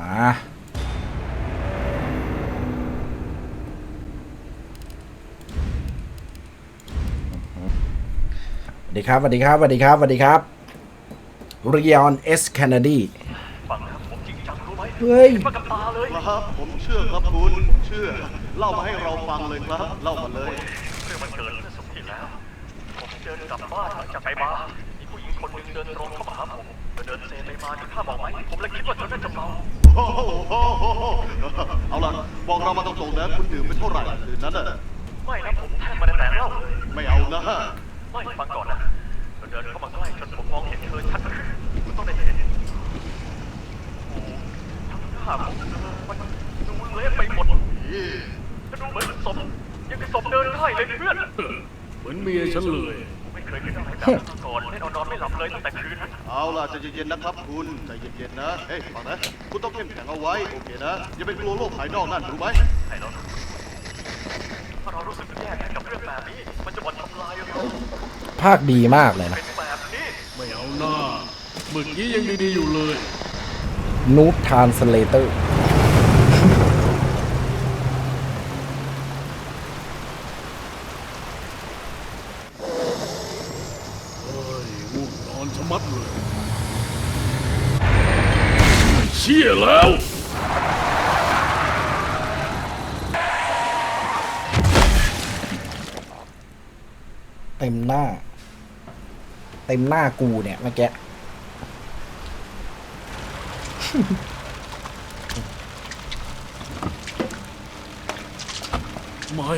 สวัสดีครับสวัสดีครับสวัสดีครับสวัสดีครับริยอนเอสแคนาดีฟังนะผมจริงจังรู้ไหมเฮ้ยมากับตาเลยครับผมเชื่อครับคุณเชื่อเล่ามาให้เราฟังเลยครับเล่ามาเลยเรื่องมันเกิดเมื่อสัปดาห์ที่แล้วผมเดินกลับบ้านหลังจากไปบาร์มีผู้หญิงคนหนึ่งเดินตรงเข้ามาหาผมเดินเซไปมาที่ท่าบอกไหมผมเลยคิดว่าเธอน่าจะเมาเอาล่ะบอกเรามาตรงๆนะคุณดื่มไปเท่าไหร่คืนนั้นน่ะไม่นะผมแทบไม่ได้แต่เล่าเลยไม่เอานะไม่ฟังก่อนนะเดินเข้ามาใกล้จนผมมองเห็นเธอชัดขึ้นคุณต้องได้เห็นโอ้ทั้งหน้าของเธอมันดูเละไปหมดจะดูเหมือนศพยังกับศพเดินได้เลยเพื่อนเหมือนเมียฉันเลยไม่เคยคิดอะไรแบบนั้นมาก่อนไม่นอนไม่หลับเลยตั้งแต่คืนนั้นเอาล่ะใจเย็นๆนะครับคุณใจเย็นๆนะเฮ้ยฟังนะคุณต้องเข้มแข็งเอาไว้โอเคนะอย่าไปกลัวโลกภายนอกนั่นรู้ไหมให้เราถ้าเรารู้สึกแย่กับเรื่องแบบนี้มันจะบ่อนทำลายเราภาคดีมากเลยนะเป็นแบบนี้ไม่เอาหน้าเมื่อกี้ยังดีๆอยู่เลยนูบทรานสเลเตอร์ง่วงนอนชะมัดเลยเชี่ยแล้วเต็มหน้ากูเนี่ยเมื่อกี้ไม่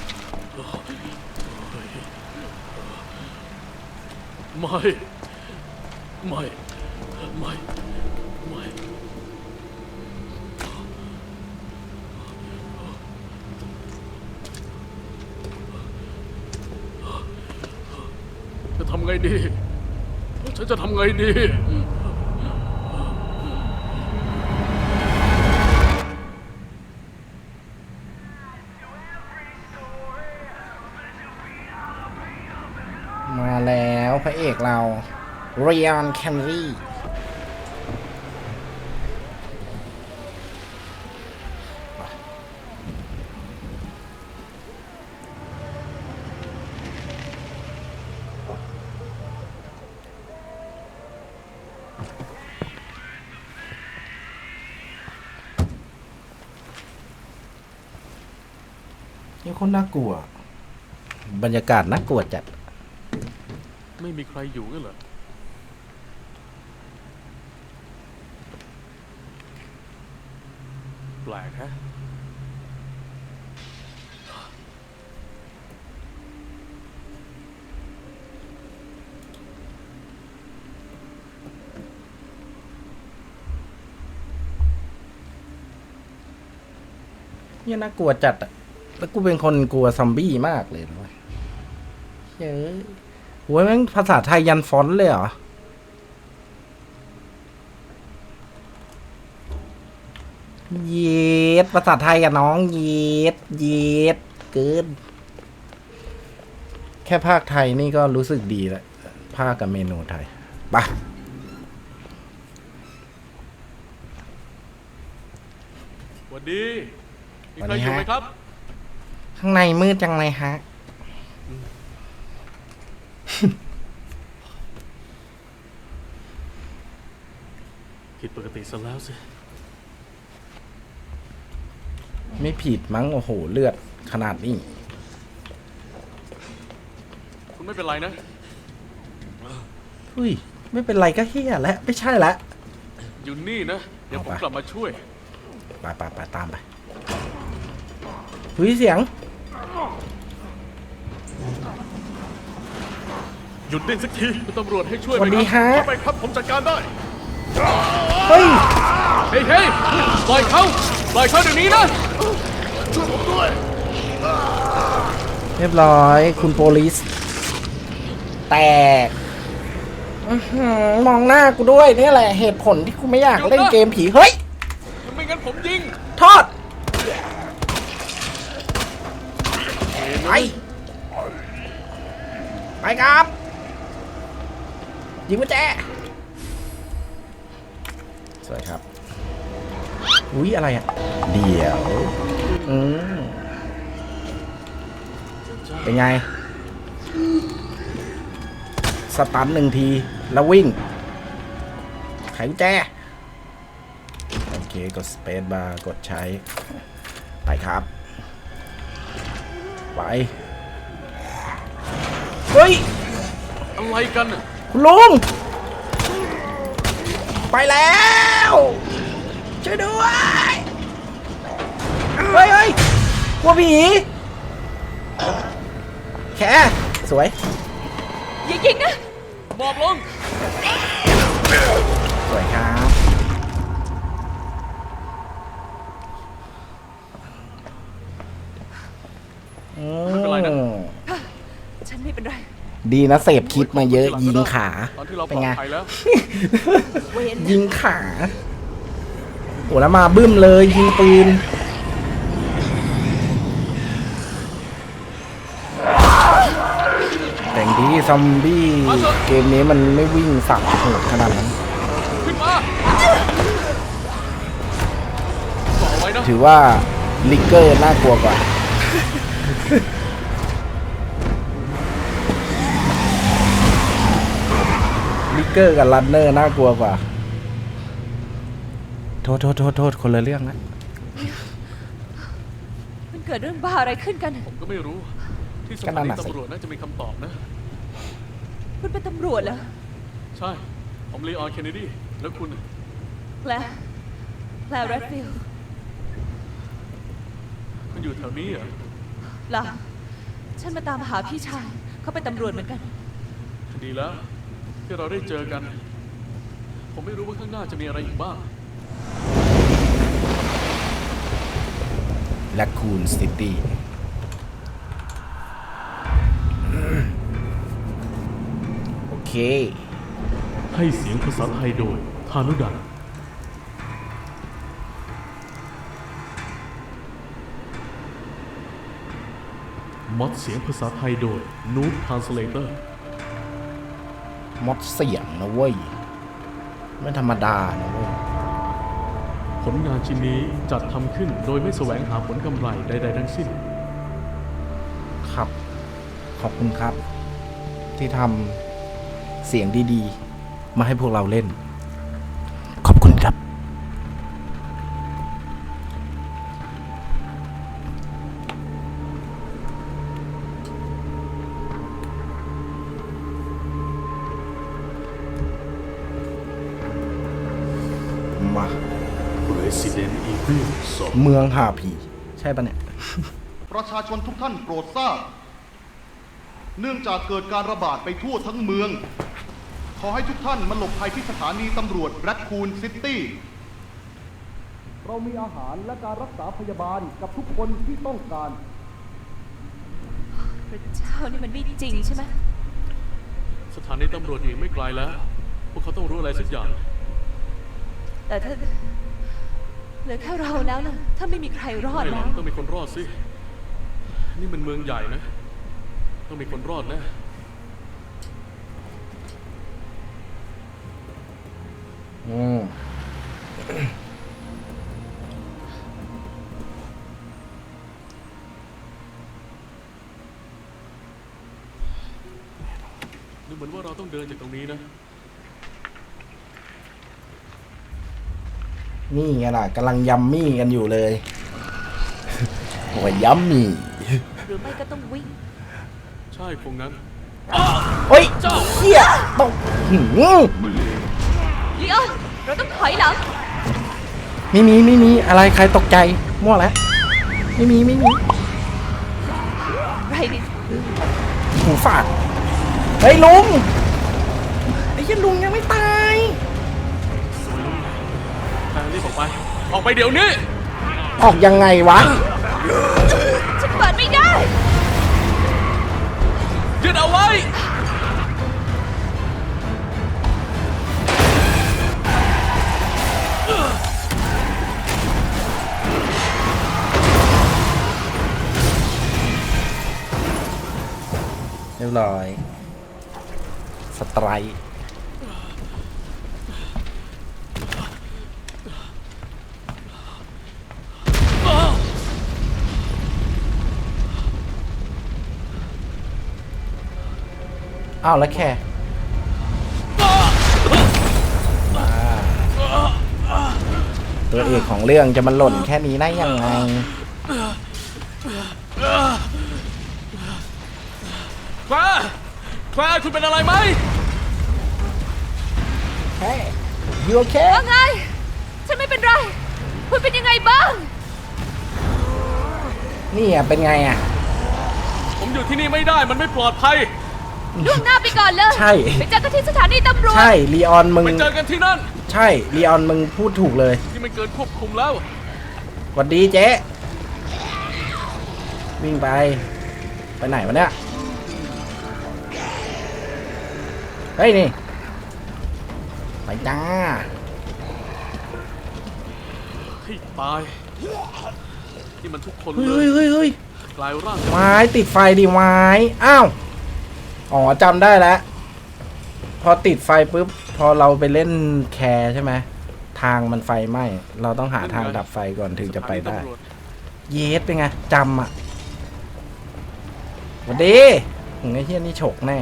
จะทำไงดีฉันจะทำไงดีมาแล้วพระเอกเราเรียนแคนรี่นี่คนน่ากลัวบรรยากาศน่ากลัวจัดไม่มีใครอยู่กันเหรอแปลกฮะนี่น่ากลัวจัดอะแล้วกูเป็นคนกลัวซอมบี้มากเลยนะเว้ยเฮ้ยโว้ยแม่งภาษาไทยยันฟอนต์เลยเหรอเย็ดภาษาไทยอะน้องเย็ดเกินแค่ภาคไทยนี่ก็รู้สึกดีแล้วภาคกับเมนูไทยไปสวัสดีมีใครอยู่ไหมครับข้างในมืดจังเลยฮะผิดปกติซะแล้วสิไม่ผิดมั้งโอ้โหเลือดขนาดนี้คุณไม่เป็นไรนะเฮ้ยไม่เป็นไรก็เฮียแล้วไม่ใช่ละอยู่นี่นะเดี๋ยวผมกลับมาช่วยไปตามไปเฮ้ยเสียงหยุดเล่นสักทีคุณตำรวจให้ช่วยไหมครับเข้าไปครับผมจัดการได้เฮ้ยปล่อยเขาเดี๋ยวนี้นะช่วยผมด้วยเรียบร้อยคุณโปลิสแตกมองหน้ากูด้วยนี่แหละเหตุผลที่กูไม่อยากเล่นเกมผีเฮ้ยไม่งั้นผมยิงทอดไปครับยิงกุญแจสวยครับอุ๊ยอะไรอ่ะเดี๋ยวเป็นไงสตันหนึ่งทีแล้ววิ่งไขกุญแจโอเคกดสเปซบาร์กดใช้ไปครับไปเฮ้ยอะไรกันน่ะคุณลุงไปแล้วช่วยด้วยเฮ้ยเฮ้ยกลัวผีแค่สวยอย่ายิงนะบอกลงสวยครับไม่เป็นไรนะฉันไม่เป็นไรดีนะเสพคลิปมาเยอะยิงขาตอนที่เราปเป็นลอดไงภัยแล้วเว้นยิงขาโอ้แล้วมาบึ้มเลยยิงปืนแต่งดีซอมบี้เกมนี้มันไม่วิ่งสับโหดขนาดนั้นขึ้นมาบอกไว้นะถือว่าลิกเกอร์น่ากลัวกว่า ลิกเกอร์กับรันเนอร์น่ากลัวกว่า โทษคนละเรื่องนะมันเกิดเรื่องบ้าอะไรขึ้นกันผมก็ไม่รู้ ที่สก็ถานั่นนีน่ะสิตำรวจน่าจะมีคำตอบนะคุณเป็นตำรวจเหรอใช่ ผมลีออนเคนเนดี แล้วคุณน่ะแพลแรดฟิลด์คุณอยู่แถวนี้เหรอล่ะฉันมาตามหาพี่ชาย เขาเป็นตำรวจเหมือนกันดีแล้วที่เราได้เจอกัน ผมไม่รู้ว่าข้างหน้าจะมีอะไรอีกบ้างแลคูนซิตี้โอเคให้เสียงภาษาไทยโดยธานุดันมอดเสียงภาษาไทยโดยนูบทรานสเลเตอร์มดเสียงนะเว้ย ไม่ธรรมดานะเว้ยผลงานชิ้นนี้จัดทำขึ้นโดยไม่แสวงหาผลกำไรใดๆทั้งสิ้นครับ ขอบคุณครับ ที่ทำเสียงดีๆ มาให้พวกเราเล่น ขอบคุณครับ มา Resident Evil เมืองหาผี ใช่ปะเนี่ยประชาชนทุกท่านโปรดทราบ เนื่องจากเกิดการระบาดไปทั่วทั้งเมือง ขอให้ทุกท่านมาหลบภัยที่สถานีตำรวจแรดคูนซิตี้ เรามีอาหารและการรักษาพยาบาลกับทุกคนที่ต้องการพระเจ้านี่มันไม่จริงใช่ไหมสถานีตำรวจอีกไม่ไกลแล้ว พวกเขาต้องรู้อะไรสักอย่างแต่ถ้าเหลือแค่เราแล้วล่ะ ถ้าไม่มีใครรอดไม่หรแล้อกวต้องมีคนรอดสิ นี่มันเมืองใหญ่นะ ต้องมีคนรอดนะอืมดูเหมือนว่าเราต้องเดินจากตรงนี้นะนี่ไงล่ะกำลังยัมมี่กันอยู่เลย โอ้ยยัมมี่หรือไม่ก็ต้องวิ่งใช่คงงั้นเฮ้ยเฮียต้องหืมลีออนเราต้องถอยหลังไม่มีอะไรใครตกใจมั่วแล้วไม่มีไรดิหูฝาดเฮ้ยลุงไอ้เหี้ยลุงยังไม่ตายทางรีบออกไป ออกไปเดี๋ยวนี้ออกยังไงวะฉันเปิดไม่ได้ยึดเอาไว้เรียบร้อยสไตรค์อ้าวแล้วแค่ตัวเอกของเรื่องจะมาหล่นแค่นี้ได้ยังไงแคลร์คุณเป็นอะไรไหมแค่ยูโอเคว่าไง ฉันไม่เป็นไร คุณเป็นยังไงบ้างนี่อ่ะเป็นไงอ่ะผมอยู่ที่นี่ไม่ได้มันไม่ปลอดภัยล่วงหน้าไปก่อนเลยใช่ไปเจอกันที่สถานีตำรวจใช่ลีออนมึงไปเจอกันที่นั่นใช่ลีออนมึงพูดถูกเลยนี่มันเกินควบคุมแล้วหวัดดีเจ๊วิ่งไปไหนวะเนี่ยเฮ้ยนี่ไปจ้าให้ตาย นี่มันทุกคนเฮ้เลยเฮ้ยเฮ้ยกลายร่างไม้ติดไฟดิไม้อ้าวอ๋อจำได้แล้วพอติดไฟปุ๊บพอเราไปเล่นแคร์ใช่ไหมทางมันไฟไหม้เราต้องหาทางดับไฟก่อนถึงจะไปได้ เยสเป็นไงจำอ่ะสวัสดีไอ้เฮียนี่ฉกแน่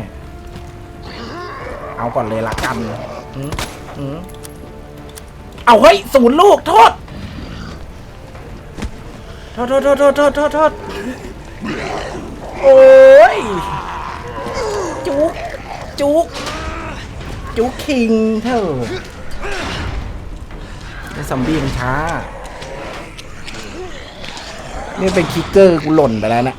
เอาก่อนเลยละกันเอาเฮ้ยศูนย์ลูกโทษโทษโอ้ยจุกคิงเถอะไอ้ซอมบี้มันช้านี่เป็นคิกเกอร์กูหล่นไปแล้วนะ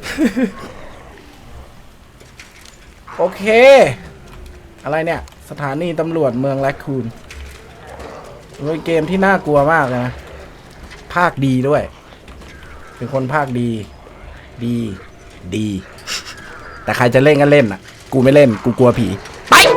โอเค อะไรเนี่ย สถานีตำรวจเมืองแรคคูนเป็นเกมที่น่ากลัวมากเลยนะภาคดีด้วย เป็นคนภาคดี ดี แต่ใครจะเล่นก็เล่นอ่ะ กูไม่เล่น กูกลัวผี ไป